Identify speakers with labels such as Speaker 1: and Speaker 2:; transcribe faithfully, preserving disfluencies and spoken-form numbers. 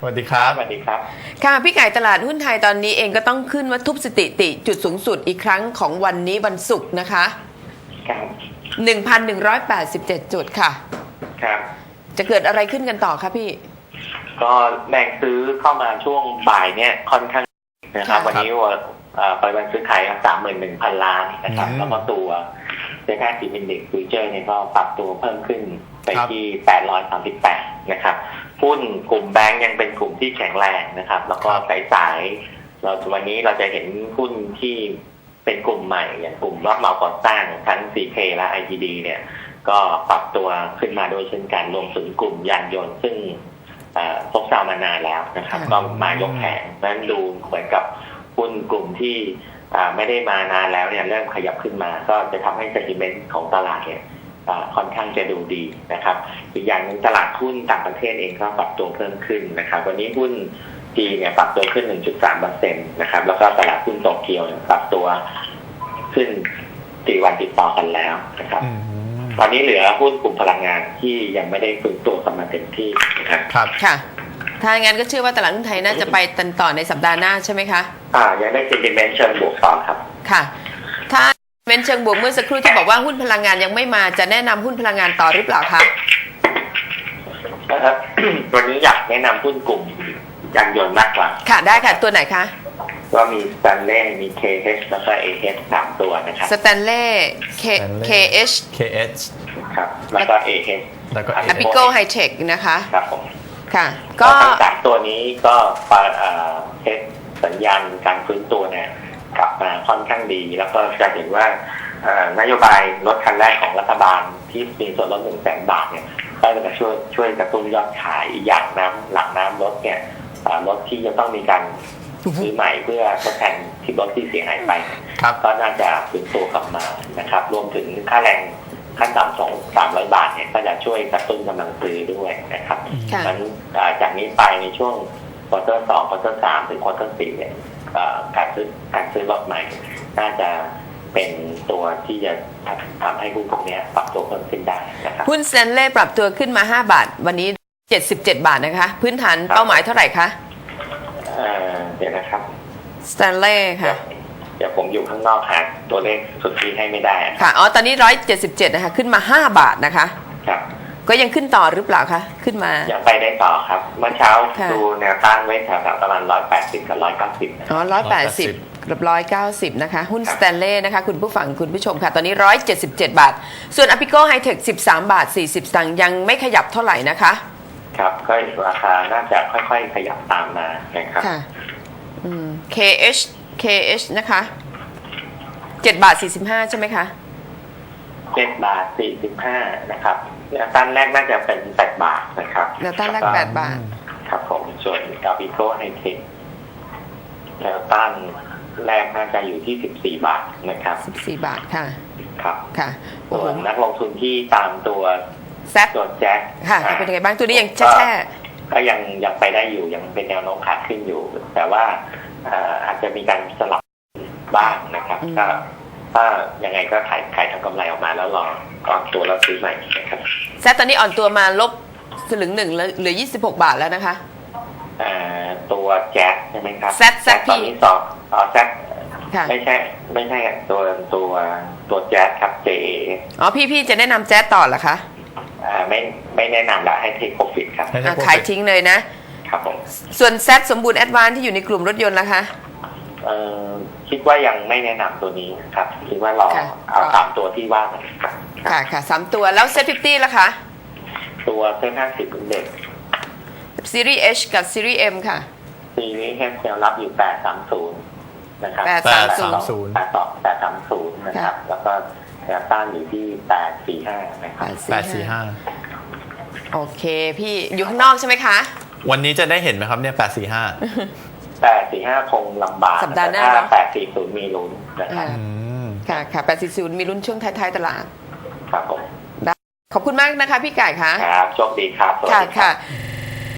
Speaker 1: วัสดีครับ
Speaker 2: สวัสดีครับ
Speaker 3: ค่ะพี่ไก่ตลาดหุ้นไทยตอนนี้เองก็ต้องขึ้นว่าทุบสถิติจุดสูงสุดอีกครั้งของวันนี้วันศุกร์นะคะ
Speaker 2: ครับ
Speaker 3: หนึ่งพันหนึ่งร้อยแปดสิบเจ็ด จุดค่ะ
Speaker 2: ครับ
Speaker 3: จะเกิดอะไรขึ้นกันต่อคะพี่
Speaker 2: ก็แรงซื้อเข้ามาช่วงบ่ายเนี่ยค่อนข้างนะครับวันนี้ว่าปริมาณซื้อขายสามหมื่นหนึ่งพันล้านนะครับแล้วก็ตัวเซ็นทรัลซีมินเด็กซ์ฟิวเจอร์เนี่ยก็ปรับตัวเพิ่มขึ้นไปที่แปดร้อยสามสิบแปดนะครับหุ้นกลุ่มแบงก์ยังเป็นกลุ่มที่แข็งแรงนะครับแล้วก็สายสายเราวันนี้เราจะเห็นหุ้นที่เป็นกลุ่มใหม่อย่างกลุ่มรับเหมาก่อสร้างทั้ง ซี เค และ ไอ ที ดี เนี่ยก็ปรับตัวขึ้นมาด้วยเช่นกันรวมถึงกลุ่มยานยนต์ซึ่งซบเซามานานแล้วนะครับก็มายกแผงนั้นดูเหมือนกับหุ้นกลุ่มที่ไม่ได้มานานแล้วเนี่ยเริ่มขยับขึ้นมาก็จะทำให้เซนติเมนต์ของตลาดเนี่ยค่อนข้างจะดูดีนะครับอีกอย่างหนึ่งตลาดหุ้นต่างประเทศเองก็ปรับตัวเพิ่มขึ้นนะครับวันนี้หุ้นจีนเนี่ยปรับตัวขึ้น หนึ่งจุดสามเปอร์เซ็นต์ นะครับแล้วก็ตลาดหุ้นโตเกียวปรับตัวขึ้นสี่วันติดต่อกันแล้วนะครับตอนนี้เหลือหุ้นกลุ่มพลังงานที่ยังไม่ได้ฟื้นตัวกลับมาเต็มที่นะครับ
Speaker 3: ครับค่ะถ้าอย่างนั้นก็เชื่อว่าตลาดหุ้นไทยน่าจะไปตันต่อในสัปดาห์หน้าใช่ไหมคะ
Speaker 2: อ่ายังได้เซนติเมนต์เชิงบวกต่อครับ
Speaker 3: ค่ะถ้าเป็นเชิงบวกเมื่อสักครู่ที่บอกว่าหุ้นพลังงานยังไม่มาจะแนะนำหุ้นพลังงานต่อหรือเปล่าคะ
Speaker 2: นะครับวันนี้อยากแนะนำหุ้นกลุ่มยานยนต์มากกว่า
Speaker 3: ค่ะได้ค่ะตัวไหนคะ
Speaker 2: ก็มี Stanley มี เค เอช แล้วก็ เอ เอช สามตัวนะครับ
Speaker 3: Stanley เค เอช
Speaker 1: เค เอช
Speaker 2: ครับแล้วก็ เอ เอช
Speaker 1: แล้วก็
Speaker 3: Apico High-Tech นะคะ
Speaker 2: ครับผม
Speaker 3: ค่ะก็
Speaker 2: ทั้งสามตัวนี้ก็เทสสัญญาณการฟื้นตัวเนี่ยกลับมาค่อนข้างดีแล้วก็จะเห็นว่านโยบายรถคันแรกของรัฐบาลที่มีส่วนลดหนึ่งแสนบาทเนี่ยก็จะช่วยช่วยกระตุ้นยอดขายอีกอย่างน้ำหลังน้ำรถเนี่ยรถที่จะต้องมีการซื้อใหม่เพื่อทดแทนที่รถที่เสียหายไปก็น่าจะฟื้นตัวกลับมานะครับรวมถึงค่าแรงขั้นต่ำสองสามร้อยบาทเนี่ยก็จะช่วยกระตุ้นกำลังซื้อด้วยนะครับนั้นจากนี้ไปในช่วงควอเตอร์สองควอเตอร์สามถึงควอเตอร์สี่เนี่ยการซื้อการซื้อรถใหม่น่าจะเป็นตัวที่จะทำให้หุ้นพวกนี้ปรับตัวเพิ่มขึ้นได้นะครับ
Speaker 3: หุ้น Stanley ปรับตัวขึ้นมาห้าบาทวันนี้เจ็ดสิบเจ็ดบาทนะคะพื้นฐานเป้าหมายเท่าไหร่คะ
Speaker 2: เอ่อเดี๋ยวนะครับ
Speaker 3: Stanley ค่ะ
Speaker 2: เดี๋ยวผมอยู่ข้างนอกหาตัวเลขสุทธิให้ไม่ได้
Speaker 3: ค่ะอ๋อตอนนี้หนึ่งร้อยเจ็ดสิบเจ็ดนะคะขึ้นมาห้าบาทนะคะ
Speaker 2: ครับ
Speaker 3: ก็ยังขึ้นต่อหรือเปล่าคะขึ้นมา
Speaker 2: ยังไปได้ต่อครับเมื่อเช้าดูแนวต้านไว้แถวๆประมาณหนึ่งร้อยแปดสิบกับหนึ่งร้อยเก้าสิบ
Speaker 3: อ๋อหนึ่งร้อยแปดสิบกับหนึ่งร้อยเก้าสิบนะคะหุ้น Stanley นะคะคุณผู้ฟังคุณผู้ชมค่ะตอนนี้หนึ่งร้อยเจ็ดสิบเจ็ดบาทส่วน Apico High-Tech สิบสามบาทสี่สิบสตางค์ยังไม่ขยับเท่าไหร่นะคะ
Speaker 2: ครับก็ราคาน่าจะค่อยๆขยับตามมานะครับ
Speaker 3: ค่ะอืม เค เอช เค เอช นะคะเจ็ดบาทสี่สิบห้าใช่ไหมคะ
Speaker 2: เจ็ดบาทสี่สิบห้านะครับแนวต้านแรกน่าจะเป็นแปดบาทนะครับ
Speaker 3: แนวต้านแรกแปดบาท
Speaker 2: ครับผมส่วน Apico High-Tech แนวต้านแรกน่าจะอยู่ที่สิบสี่บาทนะครับ
Speaker 3: สิบสี่บาทค่ะ
Speaker 2: ครับ
Speaker 3: ค่ะ
Speaker 2: ส่วนนักลงทุนที่ตามตัว
Speaker 3: แซด
Speaker 2: ตัวแจ็ค
Speaker 3: ค่ะเป็นยังไงบ้างตัวนี้ยังแช่
Speaker 2: ก็ยังยังไปได้อยู่ยังเป็นแนวโน้มขาขึ้นอยู่แต่ว่าอาจจะมีการสลับบ้างนะครับก็ถ้ายังไงก็ขายขายทำกำไรออกมาแล้วรอก่อนตัวแล้วซื้อใหม่นะครับ
Speaker 3: แซดตอนนี้อ่อนตัวมาลบสลึงหนึ่งเหลือยี่สิบหกบาทแล้วนะคะ
Speaker 2: ตัวแจ็คใช่ไหมครับ
Speaker 3: แซดแซด
Speaker 2: ตอนนี้สอบอ๋อแซดไม่ใช่ไม่ใช่ตัวตัวตัวแจ๊สครับ เจ เอ
Speaker 3: อ๋อพี่พี่จะแนะนำแจ๊สต่อเหรอคะ
Speaker 2: อ่าไม่ไม่แนะนำละให้เทคโปรฟิตครับ
Speaker 3: ขายทิ้งเลยนะครับ
Speaker 2: ผม
Speaker 3: ส่วนแซดสมบูรณ์แอดวานซ์ที่อยู่ในกลุ่มรถยนต์ล่ะคะ
Speaker 2: เอ่อคิดว่ายังไม่แนะนำตัวนี้ครับคิดว่ารอเอาสามตัวที่ว่ากัน
Speaker 3: ค่ะค่ะสามตัวแล้วเซ็ตฟิฟตี้ล่ะคะ
Speaker 2: ตัวเซ็ตห้าสิบเด็ก
Speaker 3: ซีรีส์ H กับซีรีส์ M ค่ะ
Speaker 2: ซีรีส์ H แนวรับอยู่แปดสามศูนย์นะครับ
Speaker 3: แปดสามศูนย์
Speaker 2: แปดสองแปดสามศูนย์นะครับแล้วก็แนวต้านอยู่ที่แปดสี่ห้านะครับ
Speaker 1: แปดสี่ห้า
Speaker 3: โอเคพี่อยู่ข้างนอกใช่ไหไหมคะ
Speaker 1: วันนี้จะได้เห็นไหมครับเนี่ยแปดสี่ห้า
Speaker 2: แปดสี่ห้าคงลำบาก
Speaker 3: สัปดาห์หน้า
Speaker 2: แปดสี่ศูนย์มีลุ้นนะครับ
Speaker 3: ค่ะค่ะแปดสี่ศูนย์มีลุ้นช่วงท้ายๆตลาด
Speaker 2: ครับผม
Speaker 3: ขอบคุณมากนะคะพี่ไก่ค่ะ
Speaker 2: ครับโชคดีครับ
Speaker 3: ค่ะค่ะ